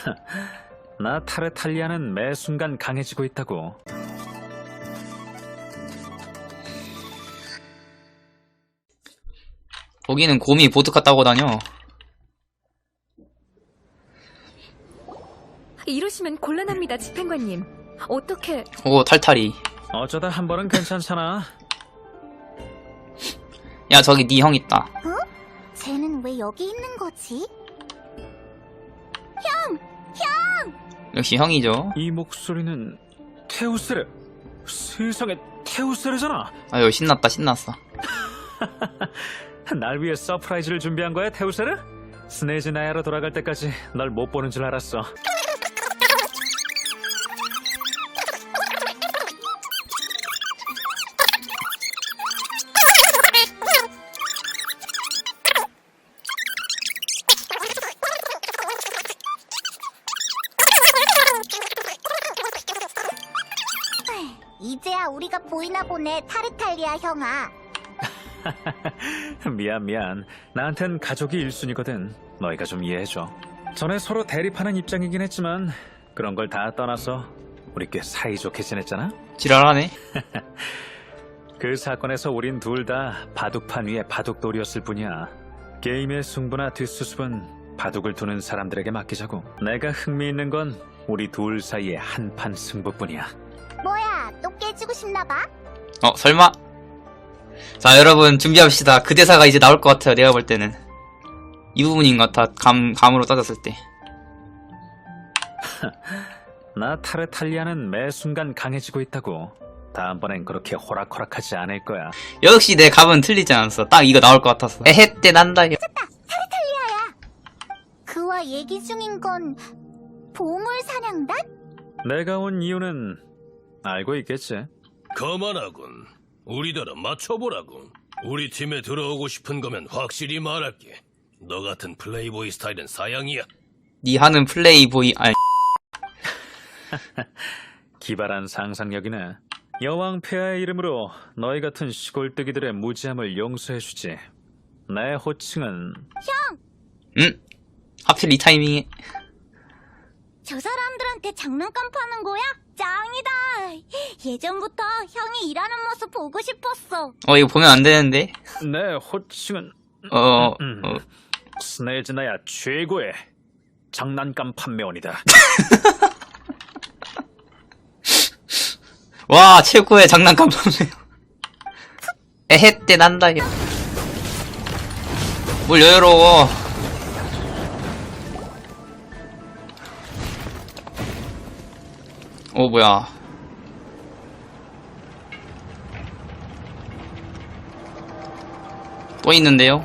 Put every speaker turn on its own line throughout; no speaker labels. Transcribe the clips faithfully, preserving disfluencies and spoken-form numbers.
나 타르탈리아는 매 순간 강해지고 있다고.
거기는 곰이 보드카 따고 다녀.
이러시면 곤란합니다, 집행관님. 어떻게...
오, 탈탈이.
어쩌다 한 번은 괜찮잖아.
야, 저기 네 형 있다.
어? 쟤는 왜 여기 있는 거지?
역시 형이죠.
이 목소리는 테우스레. 세상에 테우스레잖아.
아유, 신났다, 신났어.
날 위해 서프라이즈를 준비한 거야, 테우스레? 스네이즈 나야로 돌아갈 때까지 널 못 보는 줄 알았어.
이제야 우리가 보이나 보네, 타르탈리아 형아.
미안 미안. 나한텐 가족이 일순위거든. 너희가 좀 이해해줘. 전에 서로 대립하는 입장이긴 했지만 그런 걸 다 떠나서 우리 꽤 사이좋게 지냈잖아.
지랄하네.
그 사건에서 우린 둘 다 바둑판 위에 바둑돌이었을 뿐이야. 게임의 승부나 뒷수습은 바둑을 두는 사람들에게 맡기자고. 내가 흥미있는 건 우리 둘 사이의 한판 승부뿐이야.
뭐야, 또 깨지고 싶나봐?
어, 설마? 자, 여러분, 준비합시다. 그 대사가 이제 나올 것 같아요, 내가 볼 때는. 이 부분인 것 같아, 감, 감으로 따졌을 때.
나 타르탈리아는 매 순간 강해지고 있다고. 다음번엔 그렇게 호락호락하지 않을 거야.
역시 내 감은 틀리지 않았어. 딱 이거 나올 것 같았어. 에헤 때 난다.
타르탈리아야. 그와 얘기 중인 건 보물 사냥단?
내가 온 이유는 알고 있겠지?
거만하군. 우리더러 맞춰보라고. 우리 팀에 들어오고 싶은 거면 확실히 말할게. 너 같은 플레이보이 스타일은 사양이야.
니 하는 플레이보이, 아니.
기발한 상상력이네. 여왕 폐하의 이름으로 너희 같은 시골뜨기들의 무지함을 용서해주지. 내 호칭은...
응? 하필 이 타이밍에.
저 사람들한테 장난감 파는 거야? 짱이다. 예전부터 형이 일하는 모습 보고 싶었어.
어, 이거 보면 안 되는데.
내 호칭은...
어,
음,
어.
스네즈나야 최고의 장난감 판매원이다.
와, 최고의 장난감 판매. 에헤 때 난다. 뭘 여유로워. 어, 뭐야. 또 있는데요?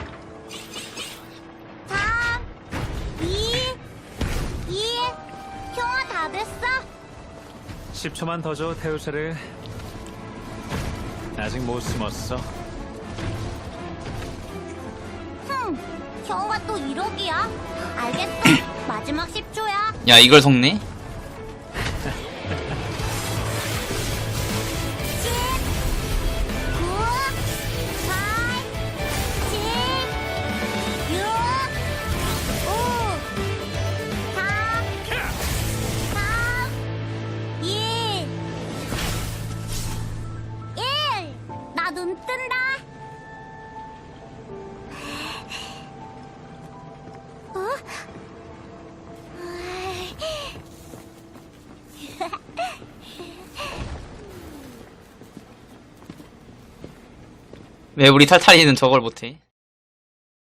삼, 이, 일. 형아, 다 됐어?
십 초만 더 줘, 테우스를. 아직 못 숨었어.
흠, 형아 또 이러기야? 알겠어. 마지막 십 초야.
야, 이걸 속네?
구, 팔, 칠, 육, 오, 사, 삼, 이, 일. 나 눈 뜬다. 어?
왜 우리 탈탈이는 저걸 못해?